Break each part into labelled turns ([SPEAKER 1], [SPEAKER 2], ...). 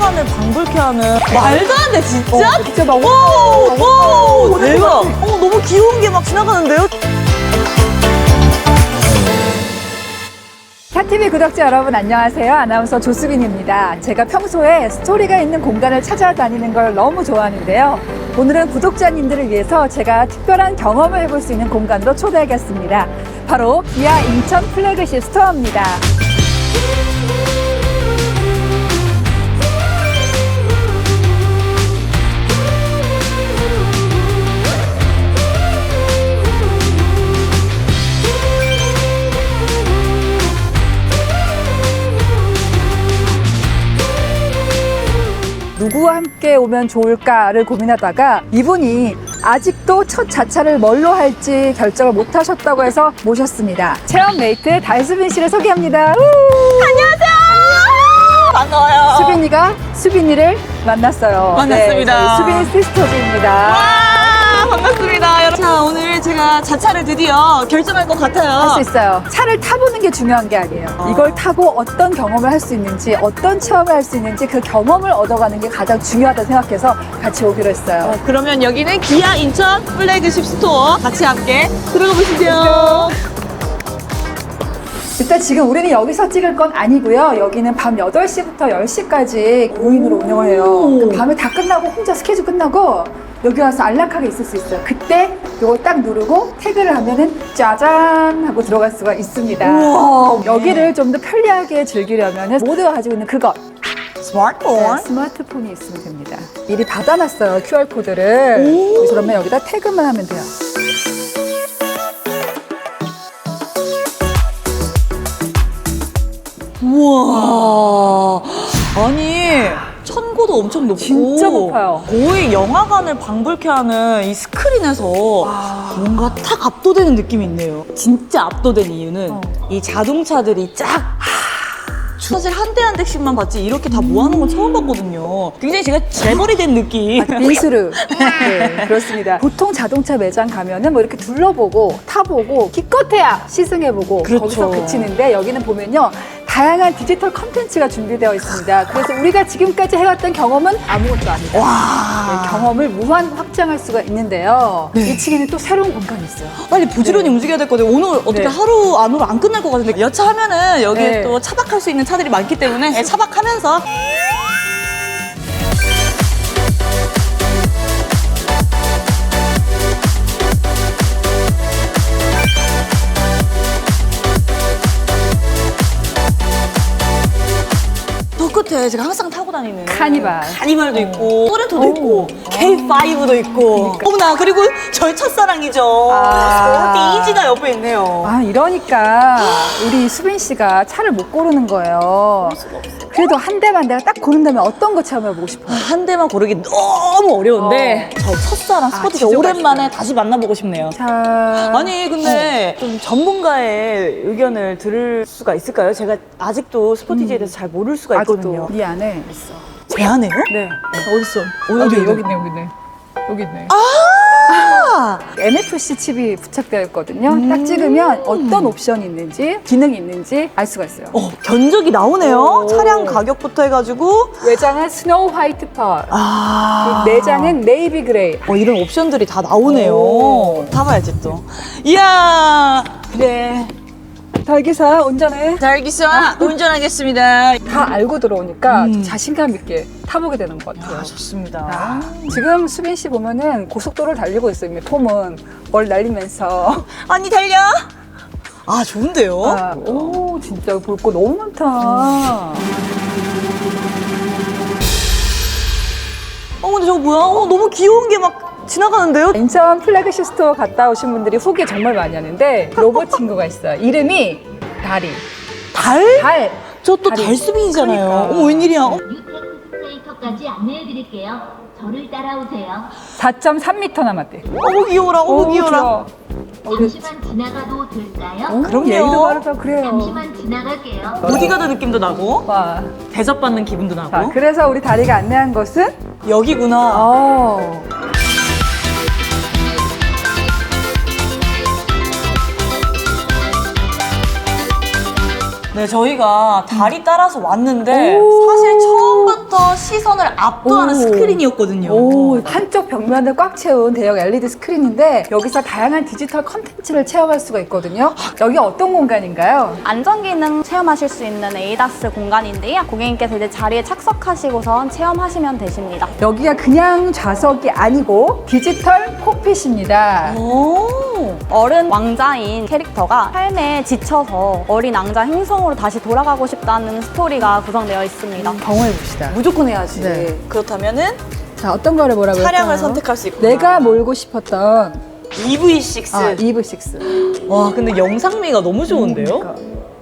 [SPEAKER 1] 영화관을 방불케 하는 말도 안 돼, 진짜?
[SPEAKER 2] 진짜 막
[SPEAKER 1] 오, 대박. 너무 귀여운 게 막 지나가는데요?
[SPEAKER 2] 샤TV 구독자 여러분 안녕하세요. 아나운서 조수빈입니다. 제가 평소에 스토리가 있는 공간을 찾아다니는 걸 너무 좋아하는데요. 오늘은 구독자님들을 위해서 제가 특별한 경험을 해볼 수 있는 공간으로 초대하겠습니다. 바로 기아 인천 플래그십 스토어입니다. 누구와 함께 오면 좋을까를 고민하다가 이분이 아직도 첫 자차를 뭘로 할지 결정을 못 하셨다고 해서 모셨습니다. 체험 메이트 달수빈 씨를 소개합니다.
[SPEAKER 1] 안녕하세요. 반가워요.
[SPEAKER 2] 수빈이가 수빈이를 만났어요.
[SPEAKER 1] 만났습니다.
[SPEAKER 2] 네, 저희 수빈이 시스터즈입니다.
[SPEAKER 1] 와, 반갑습니다. 여러분. 자, 오늘 제가 자차를 드디어 결정할 것 같아요.
[SPEAKER 2] 할 수 있어요. 차를 타보는 게 중요한 게 아니에요. 이걸 타고 어떤 경험을 할 수 있는지, 어떤 체험을 할 수 있는지 그 경험을 얻어가는 게 가장 중요하다고 생각해서 같이 오기로 했어요.
[SPEAKER 1] 그러면 여기는 기아 인천 플래그십 스토어 같이 함께 들어가 보시죠.
[SPEAKER 2] 일단 지금 우리는 여기서 찍을 건 아니고요. 여기는 밤 8시부터 10시까지 5인으로 운영을 해요. 밤에 다 끝나고 혼자 스케줄 끝나고 여기 와서 안락하게 있을 수 있어요. 그때 이거 딱 누르고 태그를 하면은 짜잔 하고 들어갈 수가 있습니다.
[SPEAKER 1] 우와.
[SPEAKER 2] 여기를 좀 더 편리하게 즐기려면 모두가 가지고 있는 그것
[SPEAKER 1] 스마트폰.
[SPEAKER 2] 스마트폰이 있으면 됩니다. 미리 받아놨어요. QR코드를. 그러면 여기다 태그만 하면 돼요.
[SPEAKER 1] 우와. 아니, 천고도 엄청 높고.
[SPEAKER 2] 진짜 높아요.
[SPEAKER 1] 거의 영화관을 방불케 하는 이 스크린에서 뭔가 탁 압도되는 느낌이 있네요. 진짜 압도된 이유는 이 자동차들이 쫙. 사실 한 대 한 대씩만 봤지 이렇게 다 모아놓은 건 처음 봤거든요. 굉장히 제가 재벌이 된 느낌.
[SPEAKER 2] 빈스루. 네, 그렇습니다. 보통 자동차 매장 가면은 뭐 이렇게 둘러보고 타보고 기껏해야 시승해보고
[SPEAKER 1] 그렇죠.
[SPEAKER 2] 거기서 그치는데 여기는 보면요. 다양한 디지털 컨텐츠가 준비되어 있습니다. 그래서 우리가 지금까지 해왔던 경험은 아무것도 아니다.
[SPEAKER 1] 와.
[SPEAKER 2] 네, 경험을 무한 확장할 수가 있는데요.
[SPEAKER 1] 네.
[SPEAKER 2] 2층에는 또 새로운 공간이 있어요.
[SPEAKER 1] 빨리 부지런히 움직여야 될 거든요. 오늘 어떻게
[SPEAKER 2] 네.
[SPEAKER 1] 하루 안으로 안 끝날 것 같은데 여차하면은 여기에
[SPEAKER 2] 네.
[SPEAKER 1] 또 차박할 수 있는 차들이 많기 때문에 네, 차박하면서 저 끝에 제가 항상 타고 다니는 카니발도 있고 소렌토도 있고 K5도 있고 어머나 그리고 저희 첫사랑이죠. 스포티지가 옆에 있네요.
[SPEAKER 2] 아, 이러니까 우리 수빈 씨가 차를 못 고르는 거예요. 그래도 한 대만 내가 딱 고른다면 어떤 거 체험해보고 싶어요?
[SPEAKER 1] 한 대만 고르기 너무 어려운데 저 첫사랑 스포티지
[SPEAKER 2] 진짜
[SPEAKER 1] 오랜만에
[SPEAKER 2] 맛있어요.
[SPEAKER 1] 다시 만나보고 싶네요.
[SPEAKER 2] 자,
[SPEAKER 1] 아니 근데 좀 전문가의 의견을 들을 수가 있을까요? 제가 아직도 스포티지에 대해서 잘 모를 수가 있거든요.
[SPEAKER 2] 아직도 이 안에 있어.
[SPEAKER 1] 제 안에요?
[SPEAKER 2] 네. 어딨어?
[SPEAKER 1] 어디, 어디?
[SPEAKER 2] 여기 있네, 여기 있네. 여기 있네.
[SPEAKER 1] 아!
[SPEAKER 2] NFC 칩이 부착되어 있거든요. 딱 찍으면 어떤 옵션이 있는지, 기능이 있는지 알 수가 있어요.
[SPEAKER 1] 견적이 나오네요.
[SPEAKER 2] 오.
[SPEAKER 1] 차량 가격부터 해가지고
[SPEAKER 2] 외장은 스노우 화이트 펄,
[SPEAKER 1] 아
[SPEAKER 2] 내장은 네이비 그레이.
[SPEAKER 1] 이런 옵션들이 다 나오네요.
[SPEAKER 2] 오.
[SPEAKER 1] 타봐야지 또. 이야 그래.
[SPEAKER 2] 달기사 운전해.
[SPEAKER 1] 달기사 운전하겠습니다.
[SPEAKER 2] 다 알고 들어오니까 좀 자신감 있게 타보게 되는 것 같아요.
[SPEAKER 1] 좋습니다.
[SPEAKER 2] 지금 수빈 씨 보면은 고속도로를 달리고 있어요. 이미 폼은 뭘 날리면서.
[SPEAKER 1] 언니 달려. 아 좋은데요?
[SPEAKER 2] 오, 진짜 볼 거 너무 많다.
[SPEAKER 1] 근데 저거 뭐야? 너무 귀여운 게 막 지나가는데요?
[SPEAKER 2] 인천 플래그십 스토어 갔다 오신 분들이 후기 정말 많이 하는데 로봇 친구가 있어요. 이름이 다리.
[SPEAKER 1] 달?
[SPEAKER 2] 달.
[SPEAKER 1] 저 또
[SPEAKER 2] 다리.
[SPEAKER 1] 달수빈이잖아요.
[SPEAKER 2] 그러니까.
[SPEAKER 1] 웬일이야?
[SPEAKER 3] 뉴테크스테이터까지 안내해드릴게요. 저를 따라오세요.
[SPEAKER 2] 4.3m 남았대.
[SPEAKER 1] 어머 귀여워라. 어머 귀여워라.
[SPEAKER 3] 잠시만 지나가도 될까요?
[SPEAKER 1] 그럼요.
[SPEAKER 2] 예의도 바르다 그래요.
[SPEAKER 3] 잠시만 지나갈게요.
[SPEAKER 1] 어디 가는 느낌도 나고
[SPEAKER 2] 와.
[SPEAKER 1] 대접받는 기분도 나고.
[SPEAKER 2] 자, 그래서 우리 다리가 안내한 곳은
[SPEAKER 1] 여기구나. 네, 저희가 다리 따라서 왔는데 사실 처음부터 처음부터 시선을 압도하는
[SPEAKER 2] 오.
[SPEAKER 1] 스크린이었거든요.
[SPEAKER 2] 오, 한쪽 벽면을 꽉 채운 대형 LED 스크린인데 여기서 다양한 디지털 컨텐츠를 체험할 수가 있거든요. 여기 어떤 공간인가요?
[SPEAKER 4] 안전기능 체험하실 수 있는 에이다스 공간인데요. 고객님께서 이제 자리에 착석하시고선 체험하시면 되십니다.
[SPEAKER 2] 여기가 그냥 좌석이 아니고 디지털 콕핏입니다.
[SPEAKER 1] 오.
[SPEAKER 4] 어른 왕자인 캐릭터가 삶에 지쳐서 어린 왕자 행성으로 다시 돌아가고 싶다는 스토리가 구성되어 있습니다.
[SPEAKER 2] 경험해봅시다.
[SPEAKER 1] 무조건 해야지.
[SPEAKER 2] 네.
[SPEAKER 1] 그렇다면은
[SPEAKER 2] 자, 어떤 거를 뭐라고
[SPEAKER 1] 차량을
[SPEAKER 2] 할까요?
[SPEAKER 1] 선택할 수 있구나.
[SPEAKER 2] 내가 몰고 싶었던
[SPEAKER 1] EV6.
[SPEAKER 2] EV6.
[SPEAKER 1] 와, 근데 영상미가 너무 좋은데요?
[SPEAKER 2] 그러니까.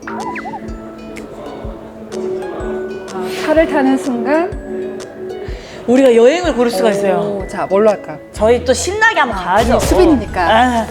[SPEAKER 2] 차를 타는 순간
[SPEAKER 1] 우리가 여행을 고를 수가 있어요.
[SPEAKER 2] 오, 자, 뭘로 할까?
[SPEAKER 1] 저희 또 신나게 한번 가야죠.
[SPEAKER 2] 수빈이니까.
[SPEAKER 1] 아.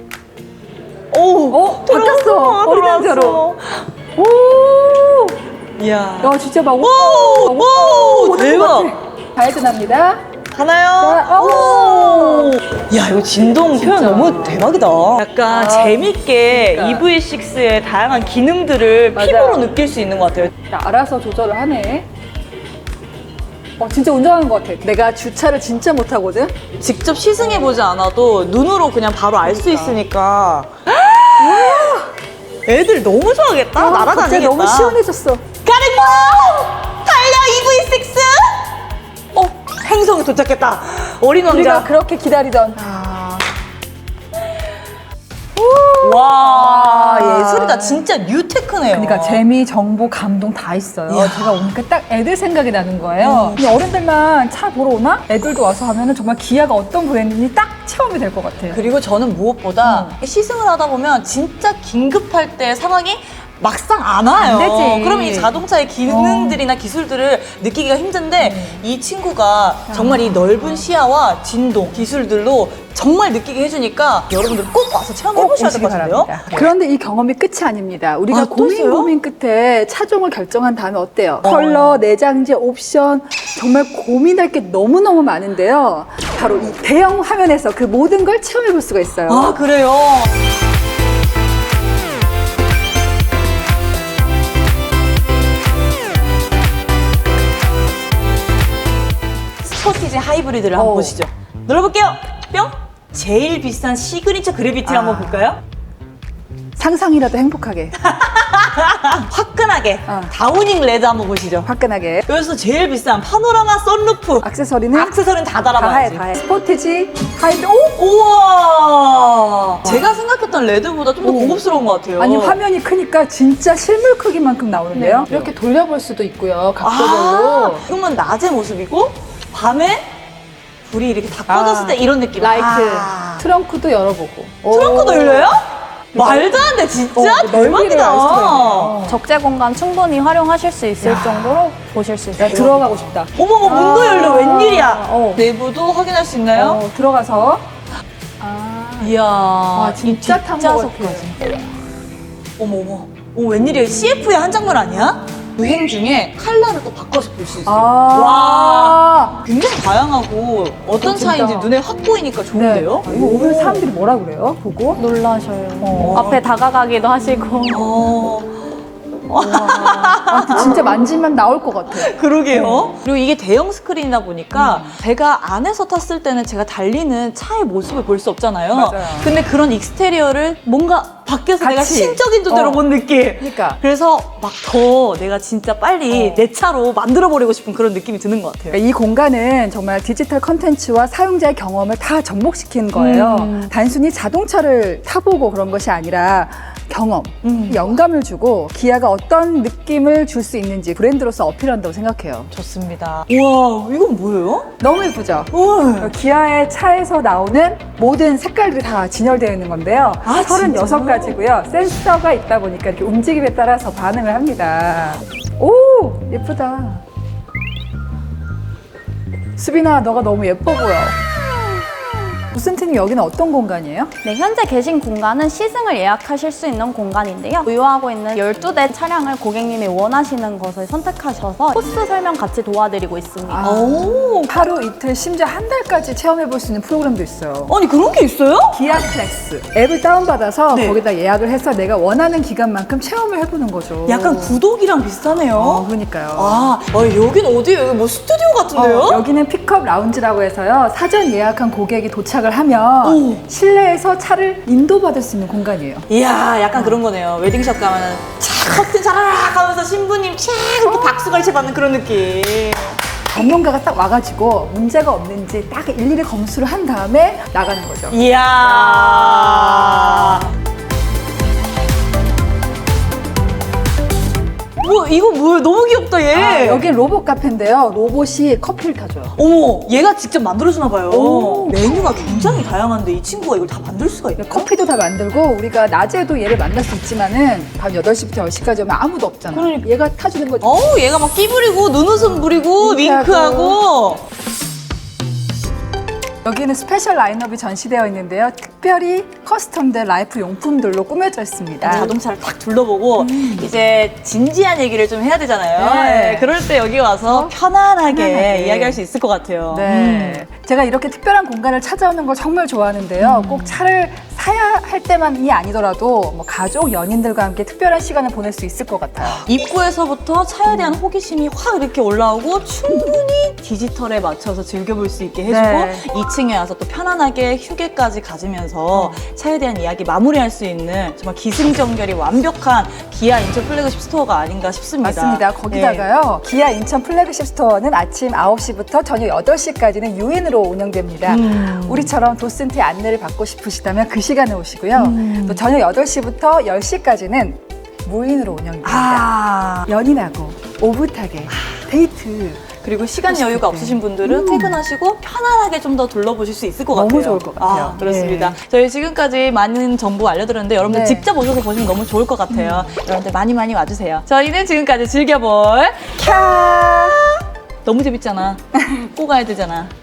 [SPEAKER 1] 오,
[SPEAKER 2] 바꿨어. 어린 남자로. 오!
[SPEAKER 1] 이야.
[SPEAKER 2] 야, 진짜 막
[SPEAKER 1] 오,
[SPEAKER 2] 오는
[SPEAKER 1] 대박.
[SPEAKER 2] 것 같아. 가야드납니다.
[SPEAKER 1] 가나요?
[SPEAKER 2] 자,
[SPEAKER 1] 오. 야, 이거 진동
[SPEAKER 2] 진짜.
[SPEAKER 1] 표현 너무 대박이다. 약간 재밌게
[SPEAKER 2] 그러니까.
[SPEAKER 1] EV6의 다양한 기능들을
[SPEAKER 2] 맞아요.
[SPEAKER 1] 피부로 느낄 수 있는 것 같아요.
[SPEAKER 2] 자, 알아서 조절을 하네. 진짜 운전하는 것 같아. 내가 주차를 진짜 못하거든?
[SPEAKER 1] 직접 시승해보지 않아도 눈으로 그냥 바로 알 수 있으니까. 애들 너무 좋아하겠다. 날아다니겠다.
[SPEAKER 2] 갑자기 너무 시원해졌어.
[SPEAKER 1] 가는 거야! 달려 EV6! 행성에 도착했다. 어린
[SPEAKER 2] 우리가
[SPEAKER 1] 왕자.
[SPEAKER 2] 그렇게 기다리던.
[SPEAKER 1] 와, 예술이다. 진짜 뉴테크네요.
[SPEAKER 2] 그러니까 재미, 정보, 감동 다 있어요.
[SPEAKER 1] 이야.
[SPEAKER 2] 제가 오니까 딱 애들 생각이 나는 거예요. 근데 어른들만 차 보러 오나? 애들도 와서 하면은 정말 기아가 어떤 브랜드인지 딱 체험이 될 것 같아요.
[SPEAKER 1] 그리고 저는 무엇보다 시승을 하다 보면 진짜 긴급할 때 상황이 막상 안 와요.
[SPEAKER 2] 안 되지.
[SPEAKER 1] 그러면 이 자동차의 기능들이나 기술들을 느끼기가 힘든데 이 친구가 정말 이 넓은 시야와 진동, 기술들로 정말 느끼게 해주니까 여러분들 꼭 와서 체험해보셔야 될 것 같은데요?
[SPEAKER 2] 그런데 이 경험이 끝이 아닙니다. 우리가
[SPEAKER 1] 아, 또 있어요?
[SPEAKER 2] 고민 끝에 차종을 결정한 다음에 어때요? 컬러, 내장재, 옵션 정말 고민할 게 너무너무 많은데요. 바로 이 대형 화면에서 그 모든 걸 체험해볼 수가 있어요.
[SPEAKER 1] 아, 그래요? 스포티지 하이브리드를 한번 보시죠. 눌러볼게요. 뿅! 제일 비싼 시그니처 그래비티를 한번 볼까요?
[SPEAKER 2] 상상이라도 행복하게,
[SPEAKER 1] 화끈하게
[SPEAKER 2] 어.
[SPEAKER 1] 다우닝 레드 한번 보시죠.
[SPEAKER 2] 화끈하게.
[SPEAKER 1] 여기서 제일 비싼 파노라마 썬루프
[SPEAKER 2] 액세서리는
[SPEAKER 1] 액세서리는 다
[SPEAKER 2] 다 해,
[SPEAKER 1] 달아봐야지.
[SPEAKER 2] 다 해. 스포티지, 하이브, 오!
[SPEAKER 1] 우와! 제가 생각했던 레드보다 좀 더
[SPEAKER 2] 오.
[SPEAKER 1] 고급스러운 것 같아요.
[SPEAKER 2] 아니 화면이 크니까 진짜 실물 크기만큼 나오는데요. 이렇게 돌려볼 수도 있고요. 각도별로.
[SPEAKER 1] 그러면 낮의 모습이고 밤에 불이 이렇게 다 꺼졌을 때 이런 느낌.
[SPEAKER 2] 라이트.
[SPEAKER 1] 아.
[SPEAKER 2] 트렁크도 열어보고.
[SPEAKER 1] 트렁크도 열려요? 말도 안 돼, 진짜
[SPEAKER 2] 넓이를 알 수가
[SPEAKER 1] 대박이다.
[SPEAKER 2] 있네요.
[SPEAKER 4] 적재 공간 충분히 활용하실 수 있을 정도로 보실 수 있어요.
[SPEAKER 2] 나 들어가고 싶다.
[SPEAKER 1] 어머머, 문도 열려, 웬일이야.
[SPEAKER 2] 어.
[SPEAKER 1] 내부도 확인할 수 있나요?
[SPEAKER 2] 들어가서.
[SPEAKER 1] 이야,
[SPEAKER 2] 진짜 탄 것
[SPEAKER 1] 뒷좌석까지. 어머. 웬일이야, CF의 한 장면 아니야? 여행 중에 컬러를 또 바꿔서 볼 수 있어요. 와, 굉장히 다양하고 어떤
[SPEAKER 2] 진짜.
[SPEAKER 1] 차인지 눈에 확 보이니까 좋은데요?
[SPEAKER 2] 이거 오면 사람들이 뭐라 그래요? 보고?
[SPEAKER 4] 놀라셔요. 앞에 다가가기도 하시고.
[SPEAKER 2] 진짜 만지면 나올 것 같아.
[SPEAKER 1] 그러게요. 그리고 이게 대형 스크린이다 보니까 제가 안에서 탔을 때는 제가 달리는 차의 모습을 볼 수 없잖아요.
[SPEAKER 2] 맞아요.
[SPEAKER 1] 근데 그런 익스테리어를 뭔가 밖에서 내가
[SPEAKER 2] 같이.
[SPEAKER 1] 신적인 존재로 본 느낌.
[SPEAKER 2] 그러니까.
[SPEAKER 1] 그래서 막 더 내가 진짜 빨리 내 차로 만들어버리고 싶은 그런 느낌이 드는 것 같아요.
[SPEAKER 2] 그러니까 이 공간은 정말 디지털 컨텐츠와 사용자의 경험을 다 접목시킨 거예요. 단순히 자동차를 타보고 그런 것이 아니라 경험, 영감을 주고 기아가 어떤 느낌을 줄 수 있는지 브랜드로서 어필한다고 생각해요.
[SPEAKER 1] 좋습니다. 우와, 이건 뭐예요?
[SPEAKER 2] 너무 예쁘죠?
[SPEAKER 1] 우와.
[SPEAKER 2] 기아의 차에서 나오는 모든 색깔들이 다 진열되어 있는 건데요.
[SPEAKER 1] 아,
[SPEAKER 2] 36가지고요. 센서가 있다 보니까 이렇게 움직임에 따라서 반응을 합니다. 오! 예쁘다. 수빈아, 너가 너무 예뻐 보여. 도슨트님 여기는 어떤 공간이에요?
[SPEAKER 4] 네, 현재 계신 공간은 시승을 예약하실 수 있는 공간인데요. 보유하고 있는 12대 차량을 고객님이 원하시는 것을 선택하셔서 코스 설명 같이 도와드리고 있습니다.
[SPEAKER 1] 오,
[SPEAKER 2] 하루 이틀 심지어 한 달까지 체험해 볼 수 있는 프로그램도 있어요.
[SPEAKER 1] 아니 그런 게 있어요?
[SPEAKER 2] 기아 플렉스 앱을 다운받아서
[SPEAKER 1] 네.
[SPEAKER 2] 거기다 예약을 해서 내가 원하는 기간만큼 체험을 해보는 거죠.
[SPEAKER 1] 약간 구독이랑 비슷하네요.
[SPEAKER 2] 그러니까요.
[SPEAKER 1] 아, 여긴 어디예요? 여기 뭐 스튜디오 같은데요?
[SPEAKER 2] 여기는 픽업 라운지라고 해서요. 사전 예약한 고객이 도착을 하면
[SPEAKER 1] 오.
[SPEAKER 2] 실내에서 차를 인도받을 수 있는 공간이에요.
[SPEAKER 1] 이야, 약간 그런 거네요. 웨딩샵 가면은 촥 커튼 자라락 하면서 신부님 촥 이렇게 박수 갈채 받는 그런 느낌.
[SPEAKER 2] 전문가가 딱 와가지고 문제가 없는지 딱 일일이 검수를 한 다음에 나가는 거죠.
[SPEAKER 1] 이야. 뭐 이거 뭐예요? 너무 귀엽다 얘.
[SPEAKER 2] 여긴 로봇 카페인데요. 로봇이 커피를 타줘요.
[SPEAKER 1] 어머, 얘가 직접 만들어주나 봐요.
[SPEAKER 2] 오.
[SPEAKER 1] 메뉴가 굉장히 다양한데 이 친구가 이걸 다 만들 수가 있나요?
[SPEAKER 2] 커피도 다 만들고 우리가 낮에도 얘를 만날 수 있지만은 밤 8시부터 10시까지 오면 아무도 없잖아.
[SPEAKER 1] 그러니까.
[SPEAKER 2] 얘가 타주는 거죠.
[SPEAKER 1] 어우, 얘가 막 끼 부리고 눈웃음 부리고 윙크하고.
[SPEAKER 2] 여기는 스페셜 라인업이 전시되어 있는데요. 특별히 커스텀된 라이프 용품들로 꾸며져 있습니다.
[SPEAKER 1] 자동차를 딱 둘러보고 이제 진지한 얘기를 좀 해야 되잖아요.
[SPEAKER 2] 네.
[SPEAKER 1] 네, 그럴 때 여기 와서 편안하게
[SPEAKER 2] 편안하게.
[SPEAKER 1] 이야기할 수 있을 것 같아요.
[SPEAKER 2] 네. 제가 이렇게 특별한 공간을 찾아오는 걸 정말 좋아하는데요. 꼭 차를 사야 할 때만이 아니더라도 뭐 가족, 연인들과 함께 특별한 시간을 보낼 수 있을 것 같아요.
[SPEAKER 1] 입구에서부터 차에 대한 호기심이 확 이렇게 올라오고 충분히 디지털에 맞춰서 즐겨볼 수 있게 해주고
[SPEAKER 2] 네.
[SPEAKER 1] 2층에 와서 또 편안하게 휴게까지 가지면서 차에 대한 이야기 마무리할 수 있는 정말 기승전결이 완벽한 기아 인천 플래그십 스토어가 아닌가 싶습니다.
[SPEAKER 2] 맞습니다. 거기다가요. 기아 인천 플래그십 스토어는 아침 9시부터 저녁 8시까지는 유인으로 운영됩니다. 우리처럼 도슨트의 안내를 받고 싶으시다면 그 시간에 오시고요. 또 저녁 8시부터 10시까지는 무인으로 운영됩니다.
[SPEAKER 1] 아,
[SPEAKER 2] 연인하고 오붓하게 데이트
[SPEAKER 1] 그리고 시간
[SPEAKER 2] 하고
[SPEAKER 1] 여유가
[SPEAKER 2] 싶을 때.
[SPEAKER 1] 없으신 분들은 퇴근하시고 편안하게 좀 더 둘러보실 수 있을 것
[SPEAKER 2] 너무
[SPEAKER 1] 같아요.
[SPEAKER 2] 좋을 것 같아요.
[SPEAKER 1] 아, 그렇습니다.
[SPEAKER 2] 네.
[SPEAKER 1] 저희 지금까지 많은 정보 알려드렸는데 여러분들
[SPEAKER 2] 네.
[SPEAKER 1] 직접 오셔서 보시면 너무 좋을 것 같아요. 여러분들 많이 많이 와주세요. 저희는 지금까지 즐겨볼 캬! 너무 재밌잖아. 꼭 가야 되잖아.